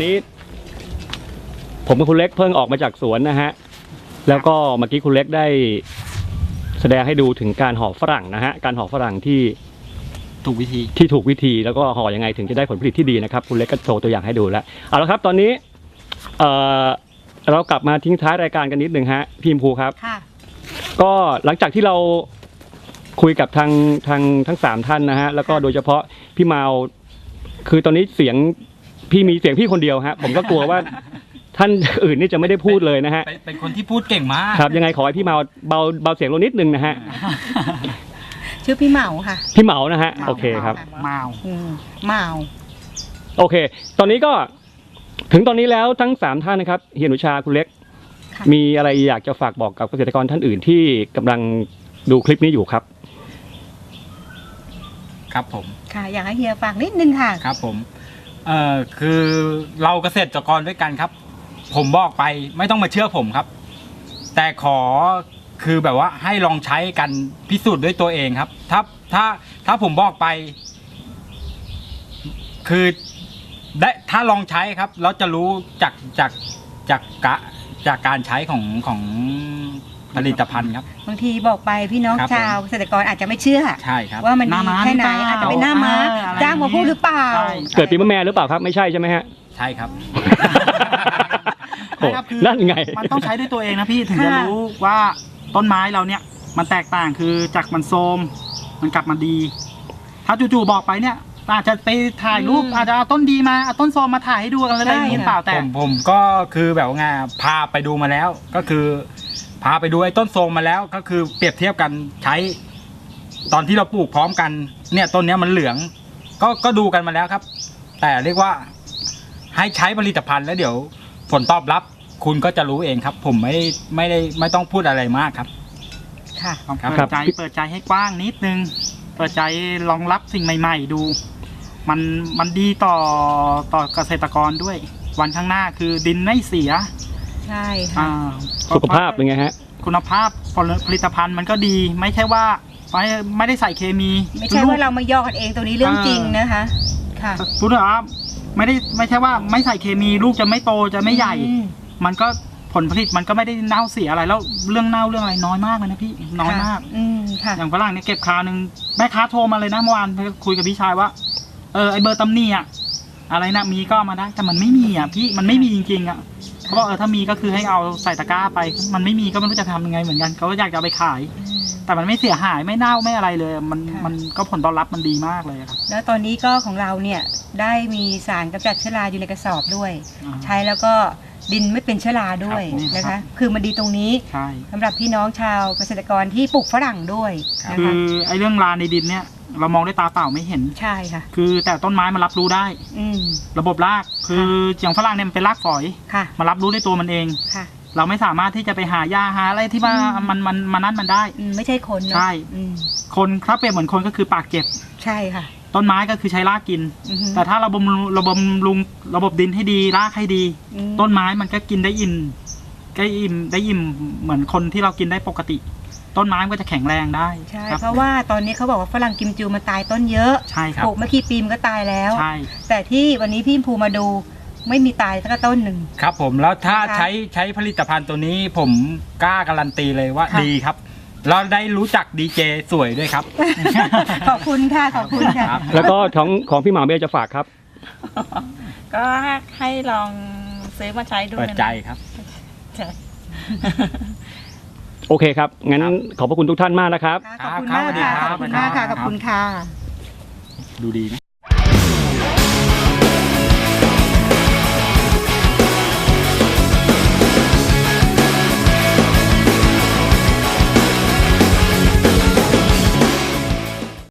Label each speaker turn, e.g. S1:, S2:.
S1: นี้ผมกับคุณเล็กเพิ่งออกมาจากสวนนะฮะแล้วก็เมื่อกี้คุณเล็กได้แสดงให้ดูถึงการห่อฝรั่งนะฮะการห่อฝรั่งที่ถูกวิธีแล้วก็ห่อยังไงถึงจะได้ผลผลิตที่ดีนะครับคุณเล็กก็โชว์ตัวอย่างให้ดูแล้วเอาละครับตอนนี้เรากลับมาทิ้งท้ายรายการกันนิดหนึ่งฮะพี่ภูครับก็หลังจากที่เราคุยกับทั้ง3ท่านนะฮะแล้วก็โดยเฉพาะพี่เมาคือตอนนี้เสียงพี่คนเดียวฮะผมก็กลัวว่าท่านอื่นนี่จะไม่ได้พูดเลยนะฮะ
S2: เป็นคนที่พูดเก่งมาก
S1: ครับยังไงขอให้พี่เมาเบาเสียงลงนิดนึงนะฮะ
S3: ชื่อพี่เหมาค่ะ
S1: พี่เหมานะฮะโอเคครับ
S3: เหมา
S1: โอเคตอนนี้ก็ถึงตอนนี้แล้วทั้ง3ท่านนะครับเฮียหนูชาคุณเล็กมีอะไรอยากจะฝากบอกกับเกษตรกรท่านอื่นที่กำลังดูคลิปนี้อยู่ครับ
S2: ครับผม
S3: ค่ะอยากให้เฮียฝากนิดนึงค่ะ
S2: ครับผมคือเราเกษตรกรด้วยกันครับผมบอกไปไม่ต้องมาเชื่อผมครับแต่ขอคือแบบว่าให้ลองใช้กันพิสูจน์ด้วยตัวเองครับถ้าผมบอกไปคือได้ถ้าลองใช้ครับเราจะรู้จากการใช้ของผลิตภัณฑ์ครับ
S3: บางทีบอกไปพี่น้องชาวเกษตรกรอาจจะไม่เชื่อ
S2: ใช่ครับ
S3: ว่ามันดีแค่ไหนอาจจะเป็นหน้าม้าจ้างมาพูดหรือเปล่า
S1: เกิดปีมะแม่หรือเปล่าครับไม่ใช่ใช่ไหมฮะ
S2: ใช่ครับ
S1: นั่นไง
S4: มันต้องใช้ด้วยตัวเองนะพี่ถึงจะรู้ว่าต้นไม้เราเนี่ยมันแตกต่างคือจากมันโทรมมันกลับมาดีถ้าจู่ๆบอกไปเนี่ยอาจจะไปถ่ายรูปอาจจะเอาต้นดีมาเอาต้นโทรมมาถ่ายให้ดูอะไรอย่างนี้เปล่าแต่
S2: ผมก็คือแบบไงพาไปดูมาแล้วก็คือพาไปดูไอ้ต้นโทรมมาแล้วก็คือเปรียบเทียบกันใช้ตอนที่เราปลูกพร้อมกันเนี่ยต้นนี้มันเหลืองก็ดูกันมาแล้วครับแต่เรียกว่าให้ใช้ผลิตภัณฑ์แล้วเดี๋ยวผลตอบรับคุณก็จะรู้เองครับผมไม่ต้องพูดอะไรมากครับ
S4: ค่ะเปิดใจให้กว้างนิดนึงเปิดใจลองรับสิ่งใหม่ๆดูมันดีต่อเกษตรกรด้วยวันข้างหน้าคือดินไม่เสีย
S3: ใช่ค่ะ
S1: สุขภาพเป็นไงฮะ
S4: คุณภาพผลิตภัณฑ์มันก็ดีไม่ใช่ว่าไม่ได้ใส่เคมี
S3: ไม่ใช่ว่าเรามาย่อกันเองตรงนี้เรื่องจริงนะคะค่ะ
S4: พูดถึงว่าไม่ใช่ว่าไม่ใส่เคมีลูกจะไม่โตจะไม่ใหญ่มันก็ผลผลิตมันก็ไม่ได้เน่าเสียอะไรแล้วเรื่องเน่าเรื่องอะไรน้อยมากเลยนะพี่น้อยมากอย่างฝรั่งเนี่ยเก็บคราวนึงแม่ค้าโทรมาเลยนะเมื่อวานคุยกับพี่ชายว่าไอเบอร์ตำหนิอะไรนะมีก็มาได้แต่มันไม่มีพี่มันไม่มีจริงๆเขาบอกถ้ามีก็คือให้เอาใส่ตะกร้าไปมันไม่มีก็ไม่รู้จะทำยังไงเหมือนกันเขาก็อยากจะเอาไปขายแต่มันไม่เสียหายไม่เน่าไม่อะไรเลยมันก็ผลตอบรับมันดีมากเลยครับ
S3: แล้วตอนนี้ก็ของเราเนี่ยได้มีสารกำจัดเชื้อราอยู่ในกระสอบด้วยใช้แล้วก็ดินไม่เป็นเชื้อราด้วยนะคะคือมันดีตรงนี้สำหรับพี่น้องชาวเกษตรกรที่ปลูกฝรั่งด้วย
S4: คือไอ้เรื่องราในดินเนี่ยเรามองด้วยตาเปล่าไม่เห็น
S3: ใช่ค่ะ
S4: คือแต่ต้นไม้มันรับรู้ได้ระบบรากคืออย่างฝรั่งเนี่ยมันเป็นรากฝอยมารับรู้ด้วยตัวมันเองเราไม่สามารถที่จะไปหายาหาอะไรที่ว่ามันนั่นมันได้
S3: ไม่ใช่คน
S4: ใช่คนถ้าเปรียบเหมือนคนก็คือปากเจ็บ
S3: ใช่ค่ะ
S4: ต้นไม้ก็คือใช้รากกินแต่ถ้าเราบำรุงระบบดินให้ดีรากให้ดีต้นไม้มันก็กินได้อิ่มเหมือนคนที่เรากินได้ปกติต้นไม้ก็จะแข็งแรงได้
S3: ใช่เพราะว่าตอนนี้เขาบอกว่าฝรั่งกิมจูมันตายต้นเยอะ
S4: ใช่ครับ
S3: ปลูกเมื่อกี่ปีมันก็ตายแล้ว
S4: ใช่
S3: แต่ที่วันนี้พี่ภูมาดูไม่มีตายสักต้นหนึ่ง
S2: ครับผมแล้วถ้าใช้ผลิตภัณฑ์ตัวนี้ผมกล้าการันตีเลยว่าดีครับเราได้รู้จักดีเจสวยด้วยครับ
S3: ขอบคุณค่ะขอบคุณค่ะ
S1: แล้วก็ของพี่หมาเบลจะฝากครับ
S5: ก็ให้ลองซื้อมาใช้ดู
S2: เปิดใจครับ
S1: โอเคครับงั้นขอบพระคุณทุกท่านมากนะครับ
S3: ขอบคุณมากค่ะขอบคุณมากค่ะขอบคุณค่ะ
S2: ดูดีไหม